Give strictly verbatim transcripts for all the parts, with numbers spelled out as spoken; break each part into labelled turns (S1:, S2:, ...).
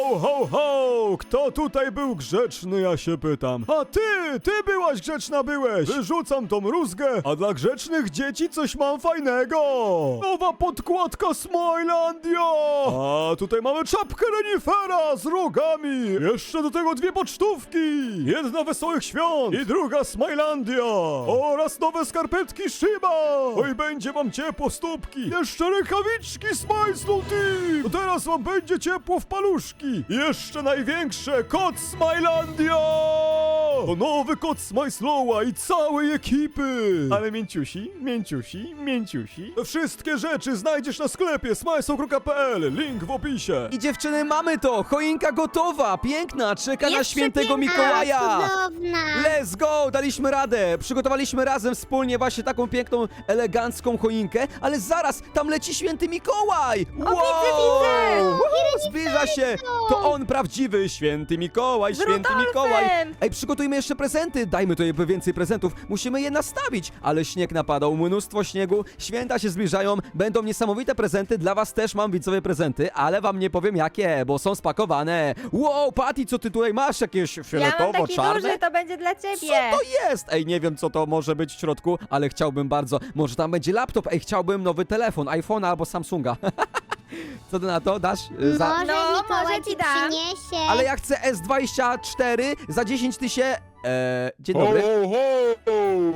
S1: Ho, ho, ho! Kto tutaj był grzeczny, ja się pytam. A ty, ty byłaś grzeczna, byłeś! Wyrzucam tą rózgę, a dla grzecznych dzieci coś mam fajnego! Nowa podkładka Smilandia! A tutaj mamy czapkę renifera z rogami! Jeszcze do tego dwie pocztówki! Jedna Wesołych Świąt i druga Smilandia! Oraz nowe skarpetki Shiba! Oj, będzie wam ciepło stópki! Jeszcze rękawiczki Smile Team! To teraz wam będzie ciepło w paluszki! Jeszcze największe, kot Smilandia! To nowy kot Smile i całej ekipy! Ale mięciusi, mięciusi, mięciusi. Wszystkie rzeczy znajdziesz na sklepie smileslow kropka p l. Link w opisie.
S2: I dziewczyny, mamy to! Choinka gotowa, piękna, czeka na
S3: Jest
S2: świętego
S3: przepiękna,
S2: Mikołaja!
S3: cudowna.
S2: Let's go! Daliśmy radę! Przygotowaliśmy razem wspólnie właśnie taką piękną, elegancką choinkę, ale zaraz, tam leci święty Mikołaj! Wow!
S4: widzę!
S2: Uhu, zbliża się! To on prawdziwy święty Mikołaj,
S4: Z
S2: święty
S4: Rudolfem!
S2: Mikołaj! Ej, przygotujmy jeszcze prezenty, dajmy to jakby więcej prezentów, musimy je nastawić, ale śnieg napadał, mnóstwo śniegu, święta się zbliżają, będą niesamowite prezenty, dla was też mam widzowie prezenty, ale wam nie powiem jakie, bo są spakowane. Wow, Patty, co ty tutaj masz? Jakieś
S4: Ja mam
S2: fioletowo,
S4: taki
S2: czarne?
S4: duży, to będzie dla ciebie.
S2: Co to jest? Ej, nie wiem co to może być w środku, ale chciałbym bardzo. Może tam będzie laptop, ej, chciałbym nowy telefon, iPhone'a albo Samsunga. Co ty na to dasz? Y, Za...
S3: Może
S4: No,
S3: Mikołaj
S4: może
S3: ci
S4: ci da.
S3: przyniesie.
S2: Ale ja chcę S dwadzieścia cztery za dziesięć tysięcy. Eee, dzień
S5: Ho,
S2: dobry.
S5: ho, ho!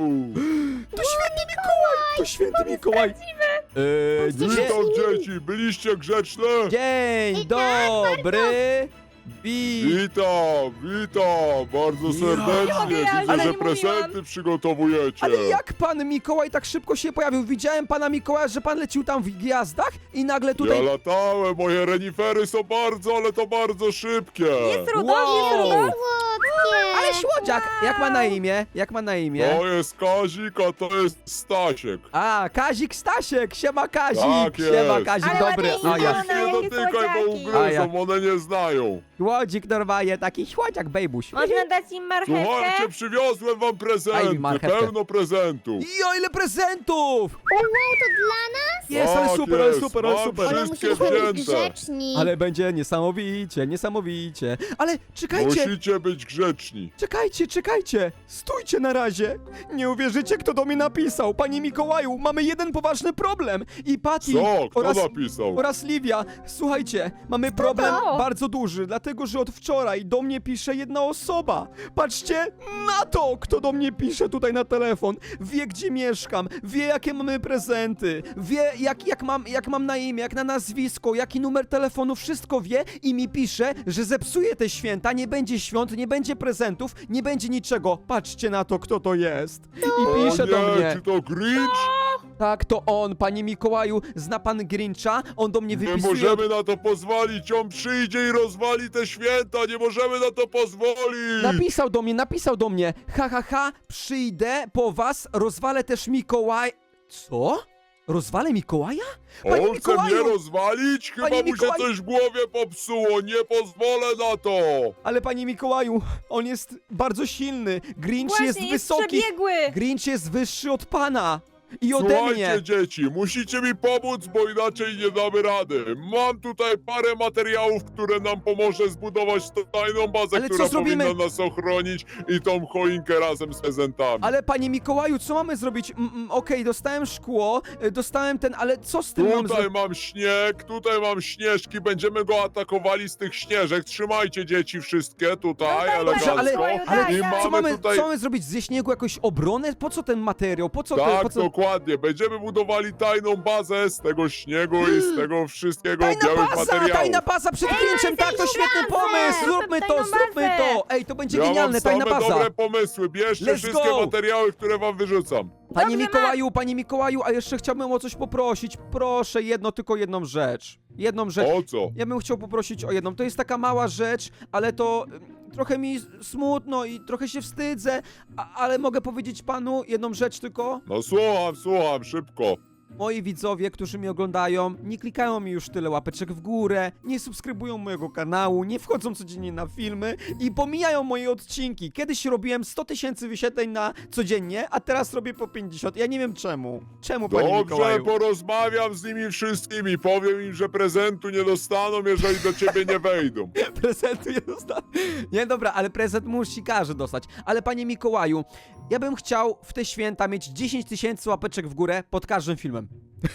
S2: To święty Mikołaj! To święty Mikołaj! Eee, dzie...
S5: Witam dzieci, byliście grzeczne?
S2: Dzień dobry! Wi...
S5: Witam, witam, bardzo
S2: Ja.
S5: serdecznie.
S4: Ja,
S5: Widzę,
S4: ale
S5: że
S4: nie
S5: prezenty
S4: mówiłam.
S5: przygotowujecie.
S2: Ale jak pan Mikołaj tak szybko się pojawił? Widziałem pana Mikołaja, że pan lecił tam w gwiazdach i nagle tutaj...
S5: Ja latałem, moje renifery są bardzo, ale to bardzo szybkie.
S4: Jest Rudolf,
S2: Wow.
S4: jest Rudolf.
S3: Słodkie.
S2: Ale słodziak! Jak ma na imię? Jak ma na imię?
S5: To jest Kazik, a to jest Stasiek.
S2: A, Kazik Stasiek! Siema Kazik!
S5: Tak jest.
S2: Siema Kazik,
S4: Ale
S2: dobry!
S4: ładnie
S2: A ja...
S4: wygląda.
S5: Nie
S4: jakie
S5: dotykaj, bo
S4: słodziaki.
S2: A ja-
S5: ugryzą, one nie znają.
S2: Słodzik normalnie, taki słodziak, bejbuś.
S4: Można dać im marchewkę?
S5: Słuchajcie, przywiozłem wam
S2: Daj mi
S5: prezenty,
S2: marchewkę.
S5: pełno prezentów.
S2: Jo, ile prezentów!
S3: Wow, to dla nas?
S2: Jest, ale
S5: Tak
S2: super, ale
S5: jest,
S2: super, ale
S5: mam
S2: super.
S3: Ale
S5: Wszystkie
S3: musimy być
S5: wzięte.
S3: grzeczni.
S2: Ale będzie niesamowicie, niesamowicie. Ale czekajcie,
S5: Musicie być grzeczni.
S2: czekajcie, czekajcie. Stójcie na razie. Nie uwierzycie, kto do mnie napisał. Panie Mikołaju, mamy jeden poważny problem. I Patty
S5: Co? Kto
S2: oraz,
S5: napisał?
S2: oraz Livia. Słuchajcie, mamy problem
S4: to?
S2: bardzo duży, dlatego że od wczoraj do mnie pisze jedna osoba. Patrzcie na to, kto do mnie pisze tutaj na telefon. Wie, gdzie mieszkam, wie, jakie mamy prezenty, wie, jak, jak, mam, jak mam na imię, jak na nazwisko, jaki numer telefonu, wszystko wie i mi pisze, że zepsuje te święta, nie będzie świąt, nie będzie prezentów, nie będzie niczego. Patrzcie na to, kto to jest. I pisze
S5: o
S2: do
S5: nie,
S2: mnie.
S5: czy to Grinch?
S2: Tak, to on, panie Mikołaju, zna pan Grincha? On do mnie
S5: Nie
S2: wypisuje...
S5: możemy na to pozwolić, on przyjdzie i rozwali te święta, nie możemy na to pozwolić!
S2: Napisał do mnie, napisał do mnie. Ha, ha, ha, przyjdę po was, rozwalę też Mikołaj... Co? Rozwalę Mikołaja? Panie
S5: On chce mnie
S2: Mikołaju!
S5: rozwalić? Chyba
S2: Panie
S5: mu się
S2: Mikołaju!
S5: coś w głowie popsuło, nie pozwolę na to!
S2: Ale panie Mikołaju, on jest bardzo silny. Grinch
S4: Właśnie,
S2: jest
S4: jest
S2: wysoki.
S4: przebiegły.
S2: Grinch jest wyższy od pana. I ode mnie.
S5: Słuchajcie dzieci, musicie mi pomóc, bo inaczej nie damy rady. Mam tutaj parę materiałów, które nam pomoże zbudować tą tajną bazę,
S2: Ale co
S5: która
S2: zrobimy?
S5: powinna nas ochronić i tą choinkę razem z prezentami.
S2: Ale panie Mikołaju, co mamy zrobić? Mm, mm, Okej, dostałem szkło, y, dostałem ten, ale co z tym mam
S5: Tutaj
S2: zrobić?
S5: mam śnieg, tutaj mam śnieżki, będziemy go atakowali z tych śnieżek. Trzymajcie dzieci wszystkie tutaj,
S4: No daj,
S5: elegancko.
S2: ale-
S4: daj,
S2: ale
S4: daj,
S5: I
S4: daj.
S2: Co
S5: mamy
S2: mamy,
S5: tutaj...
S2: co mamy zrobić? Ze śniegu jakąś obronę? Po co ten materiał? Po co
S5: Tak,
S2: te, po co...
S5: dokładnie. Będziemy budowali tajną bazę z tego śniegu i z tego wszystkiego
S2: Tajna
S5: białych
S2: baza!
S5: materiałów.
S2: Tajna baza przed Grinchem! Tak, to świetny pomysł! Zróbmy to,
S4: tajną
S2: zróbmy
S4: bazę.
S2: to! Ej, to będzie
S5: Ja
S2: genialne,
S5: mam
S2: tajna
S5: same
S2: baza!
S5: dobre pomysły. Bierzcie
S2: Let's
S5: wszystkie
S2: go.
S5: materiały, które wam wyrzucam.
S2: Panie
S4: Dobrze,
S2: Mikołaju, panie Mikołaju, a jeszcze chciałbym o coś poprosić. Proszę, jedno, tylko jedną rzecz. Jedną rzecz.
S5: O co?
S2: Ja bym chciał poprosić o jedną. To jest taka mała rzecz, ale to ym, trochę mi smutno i trochę się wstydzę, a, ale mogę powiedzieć panu jedną rzecz tylko?
S5: No słucham, słucham, szybko.
S2: Moi widzowie, którzy mnie oglądają, nie klikają mi już tyle łapeczek w górę, nie subskrybują mojego kanału, nie wchodzą codziennie na filmy i pomijają moje odcinki. Kiedyś robiłem sto tysięcy wyświetleń na codziennie, a teraz robię po pięćdziesiąt. Ja nie wiem czemu. Czemu, panie
S5: Dobrze,
S2: Mikołaju?
S5: porozmawiam z nimi wszystkimi. Powiem im, że prezentu nie dostaną, jeżeli do ciebie nie wejdą.
S2: prezentu nie dostałem. Nie, dobra, ale prezent musi każdy dostać. Ale panie Mikołaju, ja bym chciał w te święta mieć dziesięć tysięcy łapeczek w górę pod każdym filmem.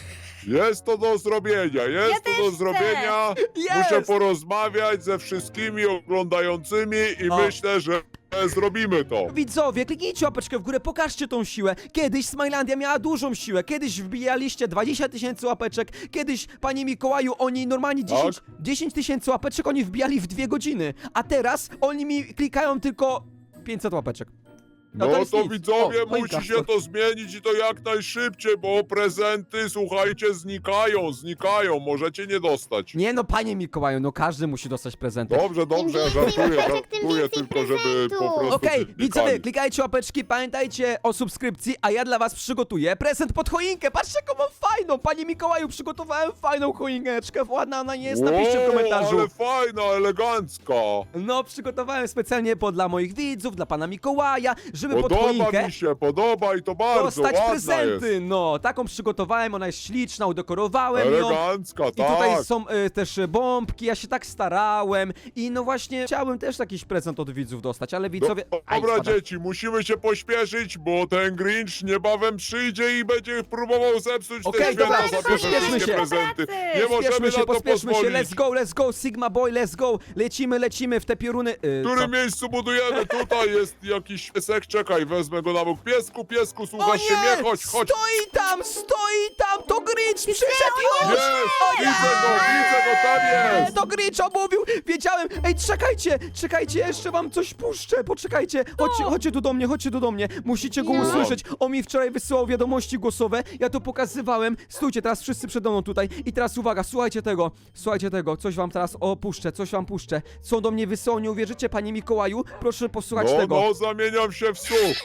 S5: Jest to do zrobienia, jest
S4: Ja
S5: to
S4: też
S5: do
S4: chcę.
S5: zrobienia.
S2: Jest!
S5: Muszę porozmawiać ze wszystkimi oglądającymi i
S2: O.
S5: myślę, że zrobimy to.
S2: Widzowie, kliknijcie łapeczkę w górę, pokażcie tą siłę. Kiedyś Smilandia miała dużą siłę, kiedyś wbijaliście dwadzieścia tysięcy łapeczek, kiedyś, panie Mikołaju, oni normalnie dziesięć, dziesięć tysięcy łapeczek oni wbijali w dwie godziny, a teraz oni mi klikają tylko pięćset łapeczek.
S5: No
S2: to
S5: to,
S2: jest nic.
S5: widzowie,
S2: O, choinka.
S5: musi się to zmienić i to jak najszybciej, bo prezenty, słuchajcie, znikają, znikają, możecie nie dostać.
S2: Nie no, panie Mikołaju, no każdy musi dostać prezenty.
S5: Dobrze, dobrze, ja
S3: więcej
S5: żartuję,
S3: łapeczek, tym
S5: żartuję
S3: więcej
S5: tylko, żeby po
S3: prezentów.
S5: prostu
S2: Okej,
S5: klikali.
S2: widzowie, klikajcie łapeczki, pamiętajcie o subskrypcji, a ja dla was przygotuję prezent pod choinkę. Patrzcie, jaką mam fajną, panie Mikołaju, przygotowałem fajną choineczkę, ładna ona nie jest, napiszcie w
S5: Wow,
S2: komentarzu.
S5: ale fajna, elegancka.
S2: No, przygotowałem specjalnie po dla moich widzów, dla pana Mikołaja, żeby pod
S5: Podoba
S2: choinkę
S5: mi się, podoba i to bardzo
S2: dostać
S5: ładna
S2: prezenty.
S5: jest.
S2: No, taką przygotowałem, ona jest śliczna, udekorowałem ją.
S5: Elegancka,
S2: I tutaj
S5: tak.
S2: są y, też y, bombki, ja się tak starałem i no właśnie chciałem też jakiś prezent od widzów dostać, ale widzowie...
S5: Do,
S2: Aj,
S5: dobra,
S2: spada.
S5: dzieci, musimy się pośpieszyć, bo ten Grinch niebawem przyjdzie i będzie próbował zepsuć
S2: Okej,
S5: te święta,
S2: dobra,
S5: zabierze
S2: pośpieszmy
S5: wszystkie
S2: się.
S5: prezenty.
S4: Pracy.
S5: Nie możemy
S2: Pospieszmy się,
S5: na to
S2: pospieszmy się,
S5: pozwolić.
S2: let's go, let's go, Sigma Boy, let's go, lecimy, lecimy w te pioruny... y,
S5: W
S2: co?
S5: którym miejscu budujemy? Tutaj jest jakiś piesek, czekaj, wezmę go na bok. Piesku, piesku,
S2: O
S5: słuchasz się
S2: nie!
S5: mnie? Chodź, chodź.
S2: Stoi tam, stoi tam, to Grinch przyszedł już!
S5: Jest, widzę go, widzę go, tam
S2: Nie,
S5: jest.
S2: to Grinch omówił, wiedziałem. Ej, czekajcie, czekajcie, jeszcze wam coś puszczę, poczekajcie. Chodźcie, chodźcie tu do mnie, chodźcie tu do mnie. Musicie go
S3: No.
S2: usłyszeć. On mi wczoraj wysyłał wiadomości głosowe, ja to pokazywałem. Stójcie, teraz wszyscy przede mną tutaj. I teraz uwaga, słuchajcie tego, słuchajcie tego, coś wam teraz opuszczę, coś wam puszczę. Co do mnie wysyłał, nie uwierzycie, panie Mikołaju? Proszę posłuchać
S5: No,
S2: tego.
S5: no, zamieniam się w słuch.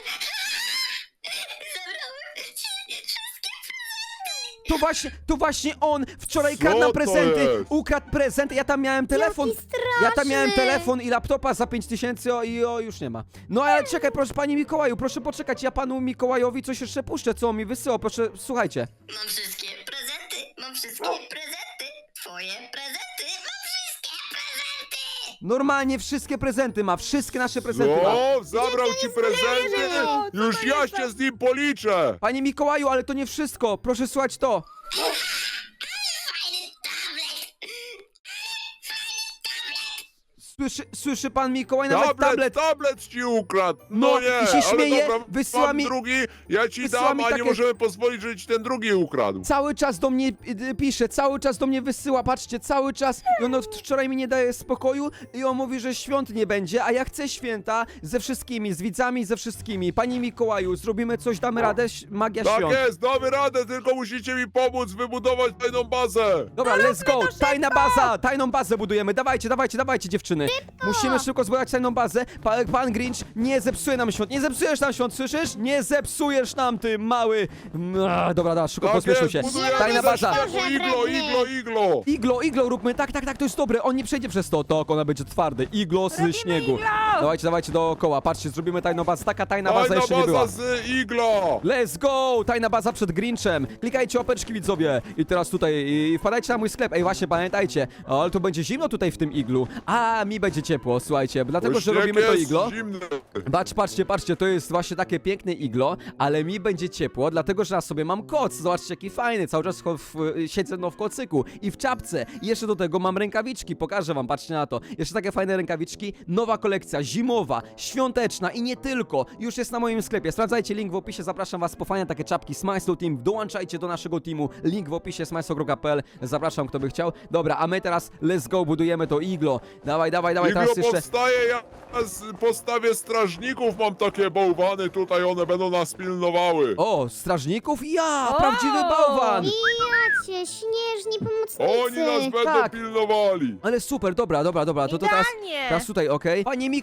S2: To właśnie, to właśnie on wczoraj
S5: Co
S2: kradł nam
S5: to
S2: prezenty,
S5: jest?
S2: ukradł prezent, ja tam miałem telefon.
S3: Jaki
S2: Ja tam miałem
S3: straszny.
S2: telefon i laptopa za pięć tysięcy o, i o, już nie ma. No ale czekaj, proszę panie Mikołaju, proszę poczekać, ja panu Mikołajowi coś jeszcze puszczę, co on mi wysyłał, proszę, słuchajcie.
S6: Mam wszystkie prezenty, mam wszystkie prezenty, twoje prezenty, mam wszystkie prezenty!
S2: Normalnie wszystkie prezenty ma, wszystkie nasze prezenty ma.
S5: No, zabrał ci prezenty.
S4: O, co
S5: Już
S4: to
S5: ja
S4: jest
S5: się
S4: za-
S5: z nim policzę.
S2: Panie Mikołaju, ale to nie wszystko, proszę słuchać to.
S6: Fajny tablet!
S2: Słyszy, słyszy pan Mikołaj, nawet
S5: Tablet,
S2: tablet.
S5: tablet ci ukradł.
S2: No,
S5: No, nie,
S2: i się śmieje,
S5: ale dobra,
S2: wysyła
S5: mam
S2: mi-
S5: drugi, ja ci
S2: wysyła
S5: dam,
S2: mi
S5: a
S2: takie-
S5: nie możemy pozwolić, żeby ci ten drugi ukradł.
S2: Cały czas do mnie y, pisze, cały czas do mnie wysyła, patrzcie, cały czas. I on od wczoraj mi nie daje spokoju i on mówi, że świąt nie będzie, a ja chcę święta ze wszystkimi, z widzami, ze wszystkimi. Panie Mikołaju, zrobimy coś, damy radę, ś- magia
S5: Tak
S2: świąt.
S5: jest, damy radę, tylko musicie mi pomóc wybudować tajną bazę.
S2: Dobra, let's go, tajna baza, tajną bazę budujemy, dawajcie, dawajcie, dawajcie dziewczyny. Musimy szybko zbudować tajną bazę. Pa, pan Grinch nie zepsuje nam świąt, nie zepsujesz nam świąt, słyszysz? Nie zepsujesz nam, ty mały. A, dobra, dobra, szybko
S5: Tak
S2: pospieszmy
S5: jest,
S2: się.
S5: budujemy
S2: Tajna
S5: ze
S2: baza.
S5: śniegu,
S3: Boże,
S5: iglo,
S3: pewnie.
S5: iglo, iglo.
S2: Iglo, iglo róbmy, tak, tak, tak, to jest dobre, on nie przejdzie przez to, to ona będzie twardy, iglo z
S4: Robimy
S2: śniegu.
S4: iglo!
S2: Dawajcie, dawajcie dookoła, patrzcie, zrobimy tajną bazę, taka tajna baza
S5: Tajna
S2: jeszcze nie była.
S5: baza z iglo.
S2: Let's go! Tajna baza przed Grinchem. Klikajcie łapeczki, widzowie. I teraz tutaj i wpadajcie na mój sklep. Ej, właśnie, pamiętajcie. O, ale to będzie zimno tutaj w tym iglu. A, mi będzie ciepło, słuchajcie. Dlatego,
S5: Bo
S2: że
S5: śnieg
S2: robimy to
S5: jest
S2: iglo.
S5: zimny.
S2: Patrz, patrzcie, patrzcie, to jest właśnie takie piękne iglo, ale mi będzie ciepło, dlatego, że na sobie mam koc. Zobaczcie, jaki fajny. Cały czas w, w, siedzę no w kocyku i w czapce. I jeszcze do tego mam rękawiczki. Pokażę wam, patrzcie na to. Jeszcze takie fajne rękawiczki. Nowa kolekcja, zimowa, świąteczna i nie tylko. Już jest na moim sklepie. Sprawdzajcie link w opisie. Zapraszam was po fajne takie czapki Smajslow Team. Dołączajcie do naszego teamu. Link w opisie smajslow kropka p l. Zapraszam, kto by chciał. Dobra, a my teraz let's go, budujemy to iglo. Dawaj, dawaj, dawaj,
S5: Iglo
S2: teraz jeszcze...
S5: powstaje, ja z postawie strażników mam takie bałwany tutaj, one będą nas pilnowały.
S2: O, strażników? Ja!
S4: O!
S2: Prawdziwy bałwan!
S3: I jacie, śnieżni pomocnicy.
S5: Oni nas będą
S2: tak.
S5: pilnowali.
S2: Ale super, dobra, dobra, dobra, to, to teraz,
S4: Idealnie.
S2: teraz tutaj, okej? Panie Miko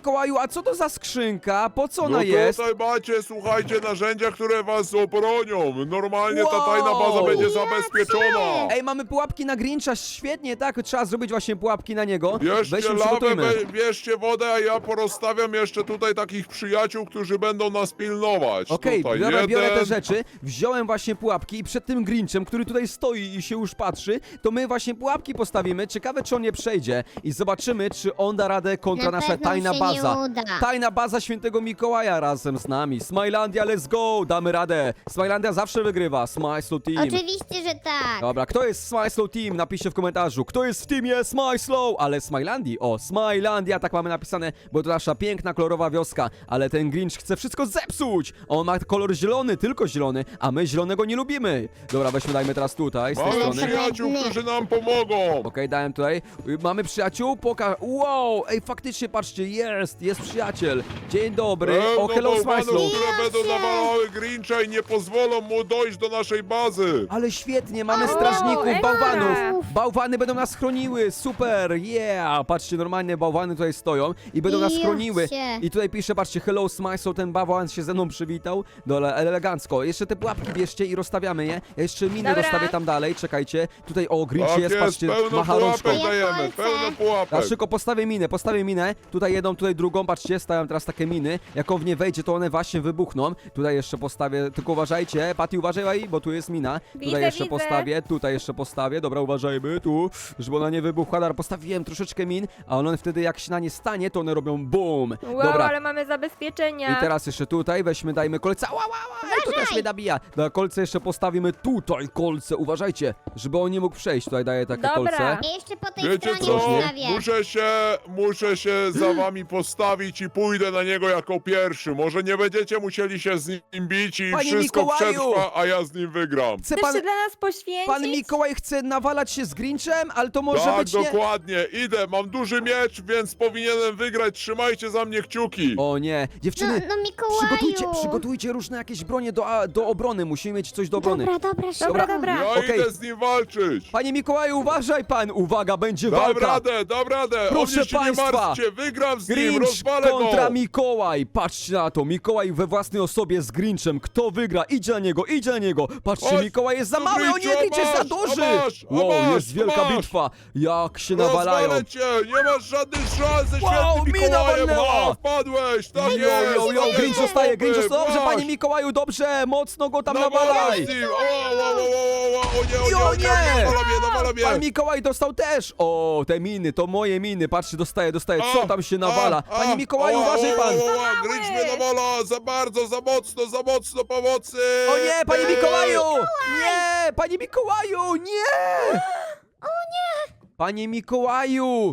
S2: Mikołaju, a co to za skrzynka? Po co ona
S5: No
S2: jest?
S5: tutaj macie, słuchajcie, narzędzia, które was obronią. Normalnie ta
S2: Wow.
S5: tajna baza będzie zabezpieczona.
S2: Ej, mamy pułapki na Grincha, świetnie, tak? Trzeba zrobić właśnie pułapki na niego.
S5: Bierzcie
S2: Weźmy,
S5: lawę,
S2: przygotujmy.
S5: we- bierzcie wodę, a ja porozstawiam jeszcze tutaj takich przyjaciół, którzy będą nas pilnować.
S2: Okej,
S5: tutaj
S2: biorę, biorę te
S5: jeden.
S2: rzeczy, wziąłem właśnie pułapki i przed tym Grinchem, który tutaj stoi i się już patrzy, to my właśnie pułapki postawimy. Ciekawe, czy on nie przejdzie i zobaczymy, czy on da radę kontra
S3: Na
S2: nasza
S3: pewno
S2: tajna
S3: się
S2: baza.
S3: nie uda.
S2: Tajna baza Świętego Mikołaja razem z nami. Smilandia, let's go! Damy radę. Smilandia zawsze wygrywa. Smile Slow Team.
S3: Oczywiście, że tak.
S2: Dobra, kto jest Smile Slow Team? Napiszcie w komentarzu. Kto jest w teamie Smile Slow? Ale Smilandii, o, Smilandia, tak mamy napisane, bo to nasza piękna, kolorowa wioska. Ale ten Grinch chce wszystko zepsuć. On ma kolor zielony, tylko zielony, a my zielonego nie lubimy. Dobra, weźmy, dajmy teraz tutaj, z tej
S5: Mamy
S2: strony. Okej,
S5: przyjaciół, którzy nam pomogą.
S2: dałem tutaj. Y, Mamy przyjaciół, poka... Wow, ej, faktycznie, patrzcie, jest, jest przyjaciel. Dzień dobry.
S5: Pełno
S2: O, hello, Smile
S5: bałwanów,
S2: Slow.
S5: które będą
S3: się.
S5: nawalały Grincha i nie pozwolą mu dojść do naszej bazy.
S2: Ale świetnie, mamy
S3: O,
S2: strażników,
S4: ekstra.
S2: bałwanów. Bałwany będą nas chroniły, super, yeah. Patrzcie, normalnie bałwany tutaj stoją i będą nas
S3: Ja
S2: chroniły.
S3: cię.
S2: I tutaj pisze, patrzcie, hello Smile, ten bałwan się ze mną przywitał. Dole, elegancko. Jeszcze te pułapki bierzcie i rozstawiamy je. Ja jeszcze miny
S4: Dobra.
S2: rozstawię tam dalej, czekajcie. Tutaj, o, Grinch
S5: Tak
S2: jest,
S5: jest,
S2: patrzcie,
S5: pełno
S2: macha rączką.
S5: pułapek
S3: Ja
S5: dajemy,
S3: kolce.
S5: pełno
S2: Ja
S5: pułapek.
S2: szybko postawię minę, postawię minę. Tutaj jedną, tutaj drugą, patrzcie, stawiam teraz takie miny. Jak on w nie wejdzie, to one właśnie wybuchną. Tutaj jeszcze postawię, tylko uważajcie, Patty, uważaj, bo tu jest mina.
S4: Widzę,
S2: Tutaj jeszcze
S4: widzę.
S2: postawię, tutaj jeszcze postawię. Dobra, uważajmy, tu, żeby ona nie wybuchła. Dobra, postawiłem troszeczkę min, a one wtedy jak się na nie stanie, to one robią BUM!
S4: Wow,
S2: Dobra.
S4: ale mamy zabezpieczenia.
S2: I teraz jeszcze tutaj weźmy, dajmy kolce. Ała, ała, ała, to też mnie nabija. Dobra, kolce jeszcze postawimy tutaj, kolce, uważajcie, żeby on nie mógł przejść. Tutaj daję takie
S4: Dobra.
S2: kolce.
S3: Ja jeszcze po tej
S5: Wiecie
S3: stronie
S5: co?
S3: ustawię.
S5: Muszę się, muszę się za wami postawić i pójdę na niego jako pierwszy. Może nie będziecie musieli się z nim bić i
S2: Panie
S5: wszystko
S2: Mikołaju!
S5: przetrwa, a ja z nim wygram.
S2: Chce
S4: Chcesz
S2: pan,
S4: się dla nas poświęcić?
S2: pan Mikołaj chce nawalać się z Grinchem, ale to może
S5: Tak,
S2: być nie...
S5: dokładnie. Idę, mam duży miecz, więc powinienem wygrać. Trzymajcie za mnie kciuki.
S2: O nie,
S3: No,
S2: dziewczyny,
S3: no Mikołaju.
S2: przygotujcie, przygotujcie różne jakieś bronie do, a, do obrony, musimy mieć coś do obrony.
S3: Dobra, dobra, szybko.
S4: Dobra, dobra.
S5: Ja
S2: okej.
S5: idę z nim walczyć.
S2: Panie Mikołaju, uważaj pan, uwaga, będzie
S5: Dam
S2: walka.
S5: radę, dam radę.
S2: Proszę
S5: o mnie się
S2: państwa.
S5: nie martwcie, wygram z nim,
S2: Grinch
S5: rozwalę
S2: kontra
S5: go.
S2: Mikołaj, patrzcie na to, Mikołaj we własnej osobie z Grinchem, kto wygra, idzie na niego, idzie na niego, patrzcie,
S5: Chodź,
S2: Mikołaj jest za
S5: tu,
S2: mały, o nie,
S5: Grinchu,
S2: Grinch jest za
S5: masz,
S2: duży.
S5: a masz, a
S2: Wow,
S5: masz,
S2: jest
S5: a
S2: wielka
S5: masz.
S2: bitwa, jak się nawalają.
S5: Rozwalę cię, nie masz żadnych szans ze
S2: Wow,
S5: świętym
S2: mina
S5: Mikołajem.
S2: walnęła.
S5: A, wpadłeś, tak
S2: Jo,
S5: jest.
S2: jo, jo,
S5: tak
S2: Grinch
S5: jest,
S2: zostaje, Grinch
S5: chłopy,
S2: zostaje, dobrze,
S5: masz.
S2: panie Mikołaju, dobrze, mocno go tam
S5: Nawalaj
S2: nawalaj.
S5: z nim. O, o, o, o, o, o, o, nie, o, nie,
S2: Jo,
S5: o, nie,
S2: nie.
S5: nawala mnie, nawala mnie.
S2: Pan Mikołaj dostał też! O, te miny, to moje miny, patrzcie, dostaje, dostaje, co
S5: A,
S2: tam się
S5: a,
S2: nawala?
S5: a,
S2: Panie Mikołaju,
S5: o,
S2: uważaj
S5: o,
S2: pan!
S5: o, o, o, Grinch mnie nawala, za bardzo, za mocno, za mocno pomocy.
S2: O nie, panie
S5: Eee.
S2: Mikołaju! Nie, panie Mikołaju, nie! O nie! Panie Mikołaju!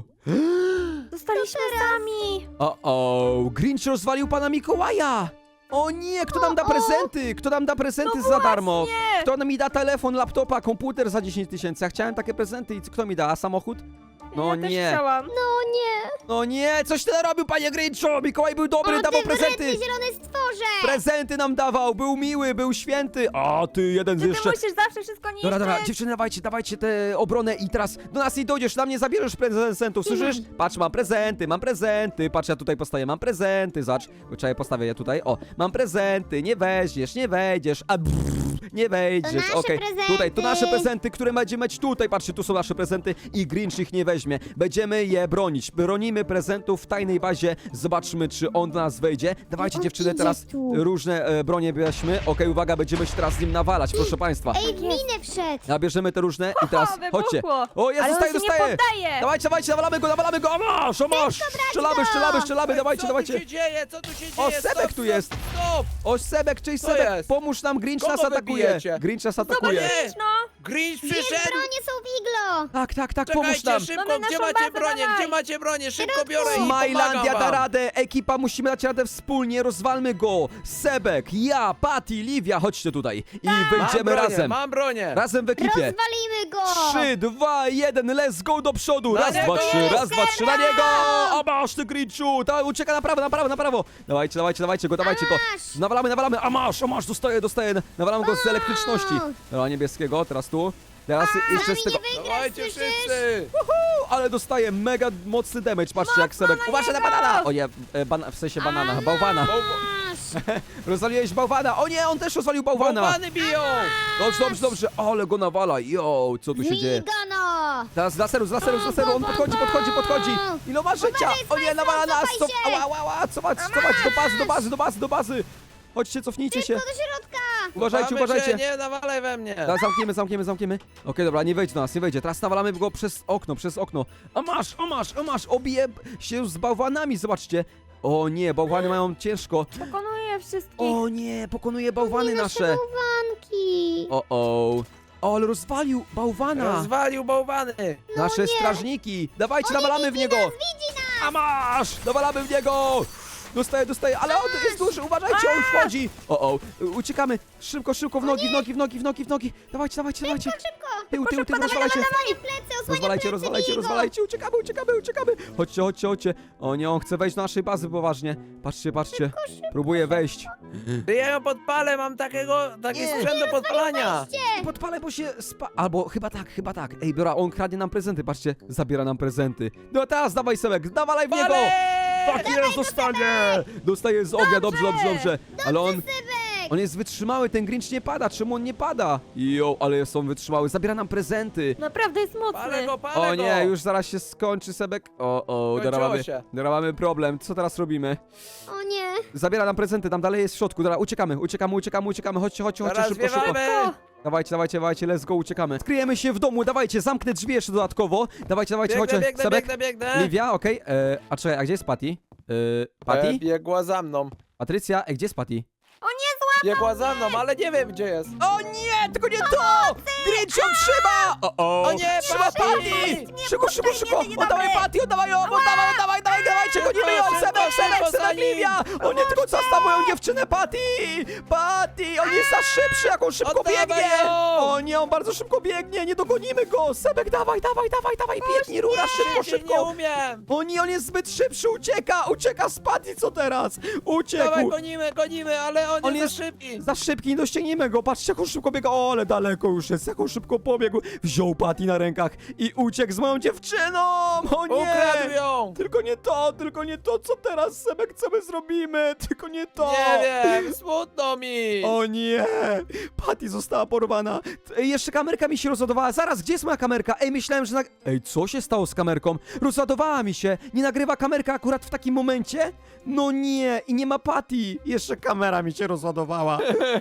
S4: Zostaliśmy sami.
S2: O, o, Grinch rozwalił pana Mikołaja! O nie, kto nam da prezenty? Kto nam da prezenty
S4: No
S2: za darmo?
S4: właśnie.
S2: Kto nam mi da telefon, laptopa, komputer za dziesięć tysięcy? Ja chciałem takie prezenty i kto mi da? A samochód? No
S4: ja też
S2: nie.
S4: chciałam.
S3: No nie.
S2: No nie, coś ty narobił, panie Grinchu! Mikołaj był dobry,
S3: O,
S2: dawał
S3: ty
S2: prezenty!
S3: wredny zielony stworze.
S2: Prezenty nam dawał, był miły, był święty. A ty jeden z
S4: Czy ty
S2: jeszcze.
S4: musisz zawsze wszystko niszczyć?
S2: Dobra, dobra, dziewczyny, dawajcie, dawajcie tę obronę i teraz do nas nie dojdziesz, na mnie zabierzesz prezentów, słyszysz? Patrz, mam prezenty, mam prezenty, patrz, ja tutaj postawię, mam prezenty, zacz, czekaj, postawię je tutaj, o, mam prezenty, nie weźmiesz, nie wejdziesz, a brrr, nie wejdziesz,
S3: nasze
S2: okej,
S3: prezenty.
S2: tutaj, to nasze prezenty, które będziemy mieć tutaj, patrzcie, tu są nasze prezenty i Grinch ich nie weźmie, będziemy je bronić, bronimy prezentów w tajnej bazie, zobaczmy, czy on do nas wejdzie, dawajcie,
S3: On
S2: dziewczyny,
S3: idzie
S2: teraz
S3: tu.
S2: różne e, bronie bierzmy, okej, uwaga, będziemy się teraz z nim nawalać, proszę państwa.
S3: Ej, w minę wszedł.
S2: Nabierzemy te różne i teraz
S4: wybuchło.
S2: chodźcie. O, ja
S4: Ale on
S2: dostaję,
S4: się nie
S2: dostaję.
S4: poddaje.
S2: Dawajcie, dawajcie, nawalamy go, nawalamy go. O masz, o masz. Strzelamy, strzelamy, strzelamy, dawajcie,
S7: Co
S2: dawajcie.
S7: tu się dzieje? Co tu się dzieje?
S2: O, Sebek
S7: Stop,
S2: tu
S7: stop,
S2: jest.
S7: Stop!
S2: O, Sebek, czyli
S7: Co
S2: Sebek,
S7: jest?
S2: pomóż nam, Grinch
S7: Kogo
S2: nas atakuje.
S7: wybijecie?
S2: Grinch nas
S4: Zobacz,
S2: atakuje.
S7: Nie.
S4: Grinch, no.
S7: Grinch
S3: Dwie
S7: przyszedł!
S3: bronie są w iglo.
S2: Tak, tak, tak, pomóż
S7: Czekajcie,
S2: nam.
S7: szybko,
S4: Mamy
S7: gdzie
S4: naszą
S7: macie
S4: bazę,
S7: bronię?
S4: dawaj.
S7: Gdzie macie bronię? Szybko biorę i
S2: Smilandia
S7: pomagam
S2: da
S7: wam.
S2: radę, ekipa, musimy dać radę wspólnie, rozwalmy go. Sebek, ja, Patty, Livia, chodźcie tutaj. I
S7: Mam
S2: wyjdziemy
S7: bronię,
S2: razem.
S7: mam bronię!
S2: Razem w ekipie.
S3: Rozwalimy go.
S2: Trzy, dwa, jeden, let's go do przodu!
S7: Na
S2: Raz,
S7: niego!
S2: dwa, trzy, raz, dwa, trzy, na
S3: Dobra!
S2: niego! A masz ty, Grinchu! Ta, ucieka na prawo, na prawo, na prawo! Dawajcie, dawajcie, dawajcie go, dawajcie go!
S3: masz!
S2: Nawalamy, nawalamy, a masz, a masz, dostaję, dostaję, nawalam go z elektryczności. Dobra, niebieskiego, teraz tu. Teraz jeszcze z tego...
S7: Dawajcie wszyscy!
S2: Ale dostaje mega mocny damage, patrzcie jak Sebek... Uważaj na banana! O nie, e, bana, w sensie banana, bałwana.
S3: Masz!
S2: Rozwaliłeś bałwana! O nie, on też rozwalił bałwana!
S7: Bałwany biją!
S2: Dobrze, dobrze, dobrze, ale go nawala, yo, co tu się dzieje?
S3: Migano!
S2: Teraz z laseru, z laseru, z laseru, on podchodzi, podchodzi, podchodzi! Ile ma życia? O nie, nawala nas!
S3: cofaj
S2: Co,
S3: się!
S2: ała, ała, ała, cofać, cofać, do bazy, do bazy, do bazy, do bazy! Chodźcie, cofnijcie się!
S3: Do środka!
S2: Uważajcie,
S7: Mamy
S2: uważajcie!
S7: Się, nie nawalaj we mnie!
S2: Teraz zamkniemy, zamkniemy, zamkniemy. Okej, dobra, nie wejdzie do nas, nie wejdzie. Teraz nawalamy go przez okno, przez okno. A masz, a masz, a masz, obije się z bałwanami, zobaczcie. O nie, bałwany mają ciężko.
S4: Pokonuję wszystkich.
S2: O nie, pokonuje bałwany
S3: Nie
S2: nasze.
S3: bałwanki!
S2: O, o. O, ale rozwalił bałwana.
S7: Rozwalił bałwany!
S2: Nasze strażniki. Dawajcie, nawalamy w niego. A masz, nawalamy w niego. Dostaje, dostaje, ale on jest duży, uważajcie, on wchodzi. O, o, uciekamy. Szybko, szybko, w nogi, w nogi, w nogi, w nogi, w nogi. Dawajcie, dawajcie, dawajcie.
S3: Szybko!
S2: Tył, tył, tył, rozwalajcie.
S3: Osłaniaj plecy, osłaniaj
S2: Rozwalajcie,
S3: plecy,
S2: rozwalajcie,
S3: Migo!
S2: rozwalajcie, uciekamy, uciekamy, uciekamy! Chodźcie, chodźcie, chodźcie! O nie, on chce wejść do naszej bazy poważnie. Patrzcie, patrzcie. Próbuje wejść.
S7: Ty ja ją podpalę, mam takiego, taki
S2: Nie.
S7: sprzęt do podpalania!
S2: Podpalę, bo się spa... Albo chyba tak, chyba tak. Ej, biora, on kradnie nam prezenty, patrzcie. Zabiera nam prezenty. No teraz dawaj, Sebek, dawalaj w niego! Tak jest, dostanie! Dostaje z ognia, dobrze, dobrze, dobrze. Ale on... On jest wytrzymały, ten Grinch nie pada, czemu on nie pada? Jo, ale jest on wytrzymały, zabiera nam prezenty.
S4: Naprawdę jest
S7: Palę
S4: mocny.
S7: go, palę
S2: O
S7: go!
S2: nie, już zaraz się skończy, Sebek. O, o,
S7: Skończyło
S2: teraz mamy,
S7: się.
S2: teraz mamy problem. Co teraz robimy?
S3: O nie!
S2: Zabiera nam prezenty, tam dalej jest w środku. Dobra, uciekamy, uciekamy, uciekamy, uciekamy. Chodźcie, chodźcie, chodźcie,
S7: Teraz
S2: szybko, szybko.
S7: zwiewamy!
S2: Dawajcie, dawajcie, dawajcie, let's go, uciekamy. Skryjemy się w domu, dawajcie, zamknę drzwi jeszcze dodatkowo. Dawajcie, dawajcie,
S7: Biegnę,
S2: chodźcie.
S7: biegnę,
S2: Sebek,
S7: biegnę, biegnę!
S2: Livia, okej. e, A czekaj, a gdzie jest Patty? E, Patty?
S7: E, biegła za mną.
S2: Patrycja, e, gdzie jest Patty?
S7: Biegła za mną, ale nie wiem gdzie jest.
S2: O nie, tylko nie to! Grinch ją trzyma! O, o,
S7: O nie,
S2: trzyma
S7: Patty!
S2: Patty! Szybko, szybko, szybko!
S4: nie, nie,
S2: Oddawaj
S4: dobre.
S2: Patty, oddawaj ją, oddawaj, oddawaj, dawaj, dawajcie, gonimy ją!
S7: Szybko,
S2: Sebek,
S7: szybko,
S2: Sebek,
S7: za
S2: Sebek,
S7: nim.
S2: Livia! O nie, tylko zostaw moją dziewczynę, Patty! Patty, on jest za szybszy, jak on szybko
S7: Oddawaj
S2: biegnie!
S7: ją!
S2: O nie, on bardzo szybko biegnie, nie dogonimy go! Sebek, dawaj, dawaj, dawaj, dawaj, biegnij, rura, szybko,
S7: Szybciej, nie
S2: szybko!
S7: umiem!
S2: O nie, on jest zbyt szybszy, ucieka, ucieka z Patty, co teraz? Uciekł!
S7: Dawaj, gonimy, gonimy, ale on,
S2: On
S7: jest,
S2: jest-
S7: za szybki.
S2: Za szybki, nie dościgniemy go, patrzcie jak on szybko biega, o ale daleko już jest, jak on szybko pobiegł, wziął Patty na rękach i uciekł z moją dziewczyną, o nie!
S7: Ukradł ją!
S2: Tylko nie to, tylko nie to, co teraz, Sebek, co my zrobimy, tylko nie to!
S7: Nie wiem, smutno mi!
S2: O nie! Patty została porwana. Ej, jeszcze kamerka mi się rozładowała. Zaraz, gdzie jest moja kamerka? Ej, myślałem, że... Nag... Ej, co się stało z kamerką? Rozładowała mi się. Nie nagrywa kamerka akurat w takim momencie? No nie, i nie ma Patty. Jeszcze kamera mi się rozładowała.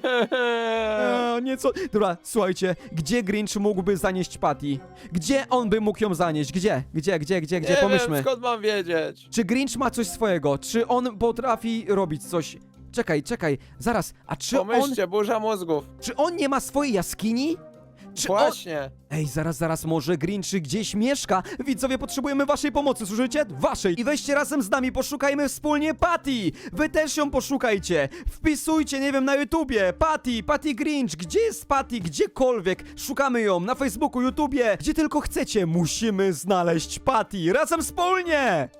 S2: Eee, nieco... Dobra, słuchajcie, gdzie Grinch mógłby zanieść Patty? Gdzie on by mógł ją zanieść? Gdzie? Gdzie, gdzie, gdzie, gdzie?
S7: Nie
S2: Pomyślmy.
S7: wiem, skąd mam wiedzieć?
S2: Czy Grinch ma coś swojego? Czy on potrafi robić coś? Czekaj, czekaj, zaraz. A czy on...
S7: Pomyślcie, burza mózgów.
S2: Czy on nie ma swojej jaskini? Czy on...
S7: Właśnie.
S2: Ej, zaraz, zaraz, może Grinch gdzieś mieszka? Widzowie, potrzebujemy waszej pomocy, słyszycie? Waszej! I weźcie razem z nami, poszukajmy wspólnie Patty! Wy też ją poszukajcie! Wpisujcie, nie wiem, na YouTubie Patty, Patty Grinch, gdzie jest Patty? Gdziekolwiek, szukamy ją na Facebooku, YouTubie, gdzie tylko chcecie. Musimy znaleźć Patty, razem wspólnie!